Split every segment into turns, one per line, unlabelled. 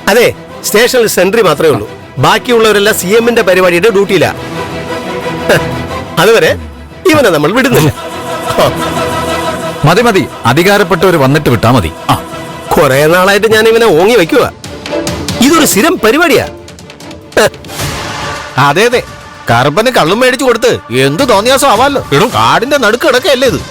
അതെ, സ്റ്റേഷനിൽ സെൻട്രി മാത്രമേ ഉള്ളൂ. ബാക്കിയുള്ളവരെല്ലാം CM-ന്റെ പരിപാടിയുടെ ഡ്യൂട്ടിയില്ല. അതുവരെ ഇവനെ നമ്മൾ വിടുന്നില്ല.
മതി മതി, അധികാരപ്പെട്ടവർ വന്നിട്ട് വിട്ടാ മതി.
കുറെ നാളായിട്ട് ഞാൻ ഇവനെ ഓങ്ങി വെക്കുക. ഇതൊരു സ്ഥിരം പരിപാടിയാ.
അതെ അതെ, കറുപ്പന് കള്ളും മേടിച്ചു കൊടുത്ത് എന്ത് തോന്നിയാസം ആവാലോ. കാടിന്റെ നടുക്ക് കിടക്കല്ലേ ഇത്.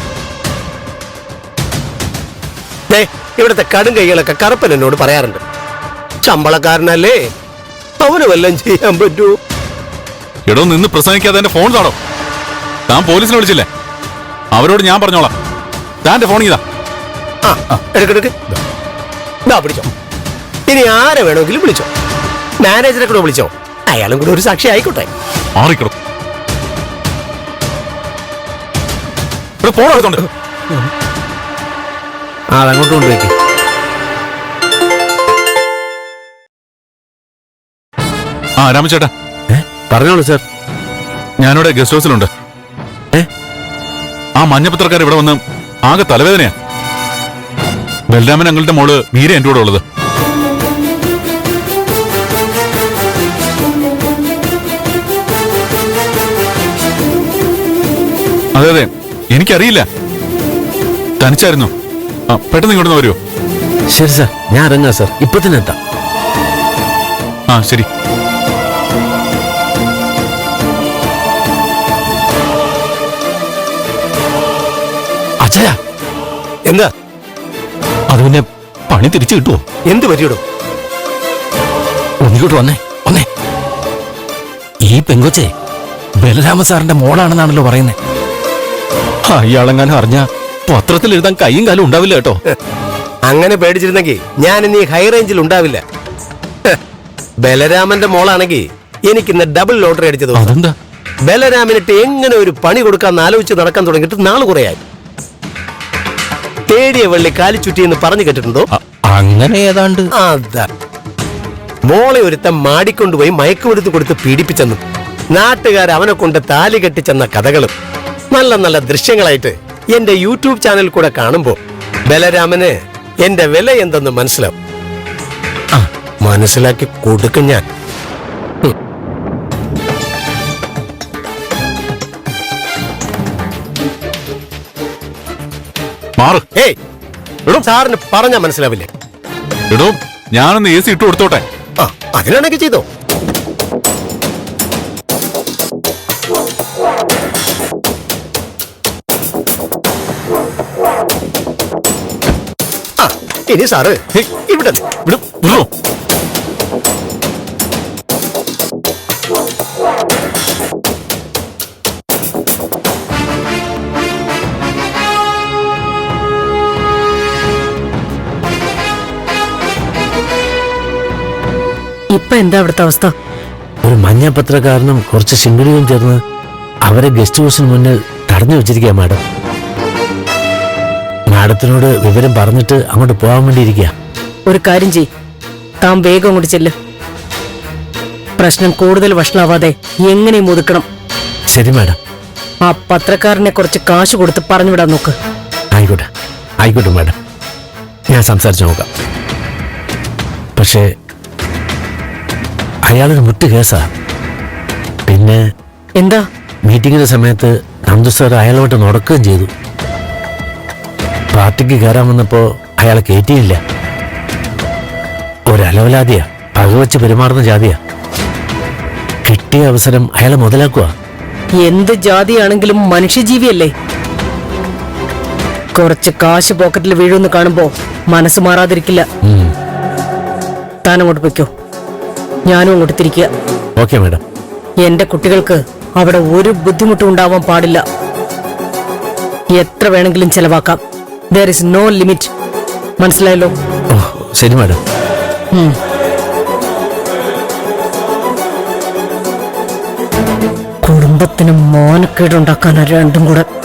ഇവിടുത്തെ കടും കൈകളൊക്കെ കറുപ്പൻ എന്നോട് പറയാറുണ്ട്. ശമ്പളക്കാരനല്ലേ, അവന് വല്ലതും ചെയ്യാൻ പറ്റൂ.
എടോ, നിന്ന് പ്രസംഗിക്കാതെ എന്റെ ഫോൺ താടോ. താൻ പോലീസിനെ വിളിച്ചില്ലേ? അവരോട് ഞാൻ പറഞ്ഞോളാം. താന്റെ ഫോൺ ഇതാ.
എടുക്കെടുക്ക്, പിടിച്ചോ. ഇനി ആരെ വേണമെങ്കിലും വിളിച്ചോ. മാനേജറെ കൂടെ വിളിച്ചോ, അയാളും കൂടെ ഒരു സാക്ഷി ആയിക്കോട്ടെ.
മാറിക്കിടും. ഫോൺ എടുത്തോണ്ട്
അതങ്ങോട്ട് കൊണ്ടുപോയിക്ക്.
രാമചേട്ടാ,
പറഞ്ഞോളൂ സാർ.
ഞാനിവിടെ ഗസ്റ്റ് ഹൗസിലുണ്ട്. ആ മഞ്ഞപ്പത്രക്കാർ ഇവിടെ വന്ന് ആകെ തലവേദനയാ. ബലരാമൻ അങ്ങളുടെ മോള് മീര എന്റെ കൂടെ ഉള്ളത്. അതെ അതെ, എനിക്കറിയില്ല. തനിച്ചായിരുന്നു. പെട്ടെന്ന് ഇങ്ങോട്ട് വരുമോ?
ശരി സാർ, ഞാൻ ഇറങ്ങാം സാർ. ഇപ്പൊ തന്നെ എത്താം.
ശരി.
അച്ഛാ,
എന്താ?
അത് പിന്നെ പണി തിരിച്ചു കിട്ടുമോ?
എന്ത് പറ്റിയിടും?
ഒന്നിക്കോട്ട് വന്നേ വന്നേ. ഈ പെങ്കൊച്ചെ ബലരാമ സാറിന്റെ മോളാണെന്നാണല്ലോ പറയുന്നത്. അയാളെങ്ങാനും അറിഞ്ഞ പത്രത്തിൽ എഴുതാൻ കൈയും കാലും ഉണ്ടാവില്ല കേട്ടോ.
അങ്ങനെ പേടിച്ചിരുന്നെങ്കിൽ ഞാൻ ഇനി ഹൈ റേഞ്ചിൽ ഉണ്ടാവില്ല. ബലരാമന്റെ മോളാണെങ്കിൽ എനിക്കിന്ന് ഡബിൾ ലോട്ടറി അടിച്ചത്.
അതെന്താ?
ബലരാമനിട്ട് എങ്ങനെ ഒരു പണി കൊടുക്കാന്ന് ആലോചിച്ച് നടക്കാൻ തുടങ്ങിയിട്ട് നാള് കുറയായി. തേടിയ വെള്ളി കാലിച്ചുറ്റി എന്ന് പറഞ്ഞു കേട്ടിട്ടുണ്ടോ?
അങ്ങനെ ഏതാണ്ട്.
അതാ, മോളെ ഒരുത്തൻ മാടിക്കൊണ്ടുപോയി മയക്കുമരുന്ന് കൊടുത്ത് പീഡിപ്പിച്ചെന്നും നാട്ടുകാർ അവനെ കൊണ്ട് താലി കെട്ടിച്ചെന്ന കഥകളും നല്ല നല്ല ദൃശ്യങ്ങളായിട്ട് എന്റെ യൂട്യൂബ് ചാനൽ കൂടെ കാണുമ്പോ ബലരാമന് എന്റെ വില എന്തെന്ന് മനസ്സിലാവും. മനസ്സിലാക്കി കൊടുക്കും ഞാൻ. സാറിന് പറഞ്ഞാ മനസ്സിലാവില്ലേ?
എടോ, ഞാനൊന്ന് AC ഇട്ട് കൊടുത്തോട്ടെ.
അതിനാണെങ്കിൽ ചെയ്തോ. ഇനി സാറ് ഇവിടെ
ഇപ്പൊ എന്താ അവിടുത്തെ അവസ്ഥ?
ഒരു മഞ്ഞ പത്രക്കാരനും കുറച്ച് ശിങ്കിടിയും ചേർന്ന് അവരെ ഗസ്റ്റ് ഹൗസിന് മുന്നിൽ തടഞ്ഞു വെച്ചിരിക്കുക മാഡം. മാഡത്തിനോട് വിവരം പറഞ്ഞിട്ട് അങ്ങോട്ട് പോകാൻ വേണ്ടിയിരിക്കുക.
ഒരു കാര്യം ചെയ്, താൻ വേഗം അങ്ങോട്ട് ചെല്ല്. പ്രശ്നം കൂടുതൽ വഷളാവാതെ എങ്ങനെയും ഒതുക്കണം.
ശരി മാഡം.
ആ പത്രക്കാരനെ കുറച്ച് കാശ് കൊടുത്ത് പറഞ്ഞുവിടാൻ നോക്ക്.
ആയിക്കോട്ടെ ആയിക്കോട്ടെ മാഡം, ഞാൻ സംസാരിച്ചു നോക്കാം. പക്ഷേ അയാളൊരു മുട്ട് കേസാ. പിന്നെ
എന്താ?
മീറ്റിങ്ങിന്റെ സമയത്ത് നന്ദു സാർ അയാളോട്ട് നടക്കുകയും ചെയ്തു. പാർട്ടിക്ക് കയറാൻ വന്നപ്പോ അയാളെ കയറ്റിയില്ല. ഒരലവലാതിയാ, പകവച്ച് പെരുമാറുന്ന ജാതിയാ. കിട്ടിയ അവസരം അയാളെ മുതലാക്കുക.
എന്ത് ജാതിയാണെങ്കിലും മനുഷ്യജീവിയല്ലേ? കുറച്ച് കാശ് പോക്കറ്റിൽ വീഴുമെന്ന് കാണുമ്പോ മനസ്സ് മാറാതിരിക്കില്ല. താൻ അങ്ങോട്ട് പൊയ്ക്കോ, ഞാനും അങ്ങോട്ട് തിരിക്കുക.
Okay madam.
എന്റെ കുട്ടികൾക്ക് അവിടെ ഒരു ബുദ്ധിമുട്ടും ഉണ്ടാവാൻ പാടില്ല. എത്ര വേണമെങ്കിലും ചെലവാക്കാം. there is no limit. മനസ്സിലായല്ലോ?
ശരി മാഡം.
കുടുംബത്തിന് മോനക്കേടുണ്ടാക്കാനാ രണ്ടും കൂടെ.